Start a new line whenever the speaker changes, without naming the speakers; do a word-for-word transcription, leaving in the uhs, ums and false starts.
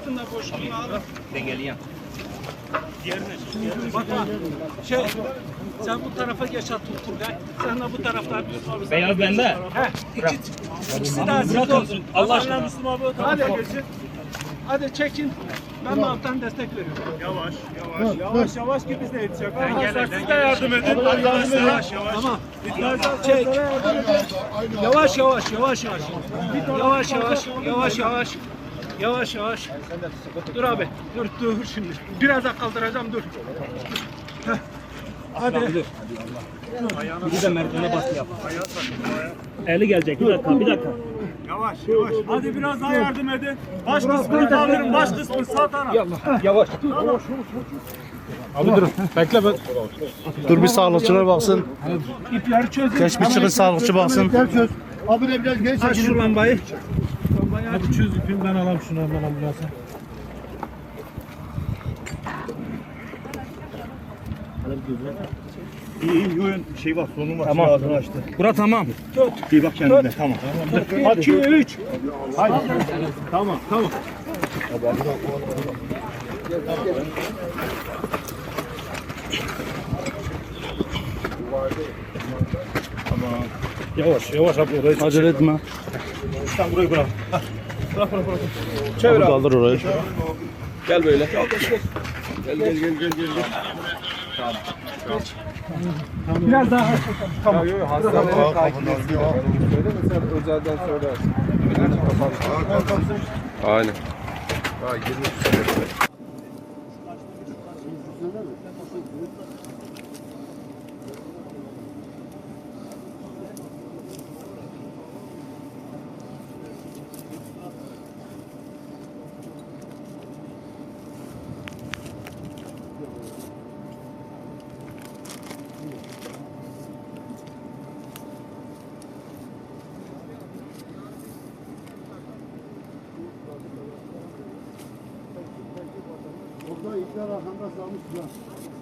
altında boşluğunu alın.
Dengeleyeyim.
Diğerine, diğerine. Bak ha, şey, sen bu tarafa geç at Turgay. Sen de bu taraftan.
Beyaz bende.
He, iki, ikisi de aziz olsun. Allah aşkına Müslüm abi. Hadi geçin. Hadi çekin. Ben de alttan destek veriyorum.
Yavaş, yavaş.
Yavaş yavaş ki biz de yetişecek.
Arkadaşlar siz de yardım edin. Arkadaşlar yavaş, yavaş.
Tamam. Çek. Yavaş yavaş yavaş yavaş. Yavaş yavaş yavaş yavaş. Yavaş yavaş. Dur abi. Dur dur şimdi. Biraz daha kaldıracağım dur. Heh. Hadi.
Bir de merdivene baskı yap. Eli gelecek. Bir dakika, bir dakika.
Yavaş, yavaş. Hadi biraz daha yardım edin. Baş kısmını kaldırın, baş kısmını sağ taraf.
Yavaş.
Abi dur. Bekle ben. Dur bir sağlıkçılar baksın.
İpleri çözün.
Geç bir çıkın sağlıkçı baksın.
Çöz. Abi de biraz geri
Aç
çekilin.
şu lambayı.
Hadi çöz ipini ben alayım şunu hemen ambulansa.
İyi, iyi, oyun şey var, sorun var.
Tamam.
Ağzını açtı.
Bura tamam.
İyi bak kendine, tamam.
bir, iki, üç.
Hadi. Tamam, tamam.
Yavaş yavaş abi orayı. Acele etme.
Sen burayı bırak. Bırak, bırak, bırak.
Çevir abi. Kaldır orayı.
Gel böyle.
Gel, gel, gel, gel, gel. gel.
Biraz daha.
Tamam. Hastaneleri takip ediyor. Söyle mesela özelden söylersin.
Aynen.
Burada ipler arkanda salmışlar.